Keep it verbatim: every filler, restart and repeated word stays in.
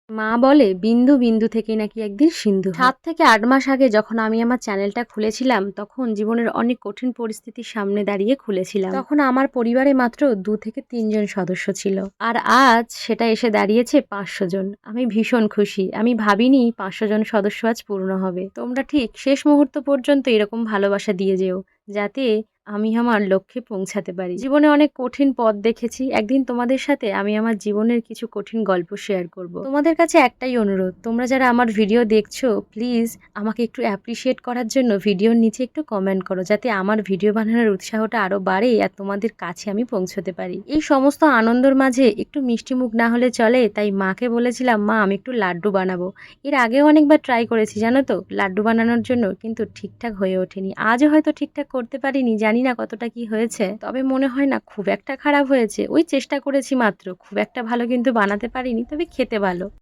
মা বলে বিন্দু বিন্দু থেকেই নাকি একদিন সিন্ধু হয়। সাত থেকে আট মাস আগে যখন আমি আমার চ্যানেলটা খুলেছিলাম তখন জীবনের অনেক কঠিন পরিস্থিতির সামনে দাঁড়িয়ে খুলেছিলাম। তখন আমার পরিবারে মাত্র দু থেকে তিনজন সদস্য ছিল, আর আজ সেটা এসে দাঁড়িয়েছে পাঁচশো জন। আমি ভীষণ খুশি। আমি ভাবিনি পাঁচশো জন সদস্য আজ পূর্ণ হবে। তোমরা ঠিক শেষ মুহূর্ত পর্যন্ত এরকম ভালোবাসা দিয়ে যেও, যাতে আমি আমার লক্ষ্যে পৌঁছাতে পারি। জীবনে অনেক কঠিন পথ দেখেছি। একদিন তোমাদের সাথে আমি আমার জীবনের কিছু কঠিন গল্প শেয়ার করব। তোমাদের কাছে একটাই অনুরোধ, তোমরা যারা আমার ভিডিও দেখছো প্লিজ আমাকে একটু অ্যাপ্রিসিয়েট করার জন্য ভিডিওর নিচে একটু কমেন্ট করো, যাতে আমার ভিডিও বানানোর উৎসাহটা আরো বাড়ে আর তোমাদের কাছে আমি পৌঁছতে পারি। এই সমস্ত আনন্দের মাঝে একটু মিষ্টি মুখ না হলে চলে, তাই মাকে বলেছিলাম মা আমি একটু লাড্ডু বানাবো। এর আগেও অনেকবার ট্রাই করেছি জানো তো লাড্ডু বানানোর জন্য, কিন্তু ঠিকঠাক হয়ে ওঠেনি। আজও হয়তো ঠিকঠাক করতে পারিনি, জানি না কতটা কি হয়েছে, তবে মনে হয় না খুব একটা খারাপ হয়েছে। ওই চেষ্টা করেছি মাত্র, খুব একটা ভালো কিন্তু বানাতে পারিনি, তবে খেতে ভালো।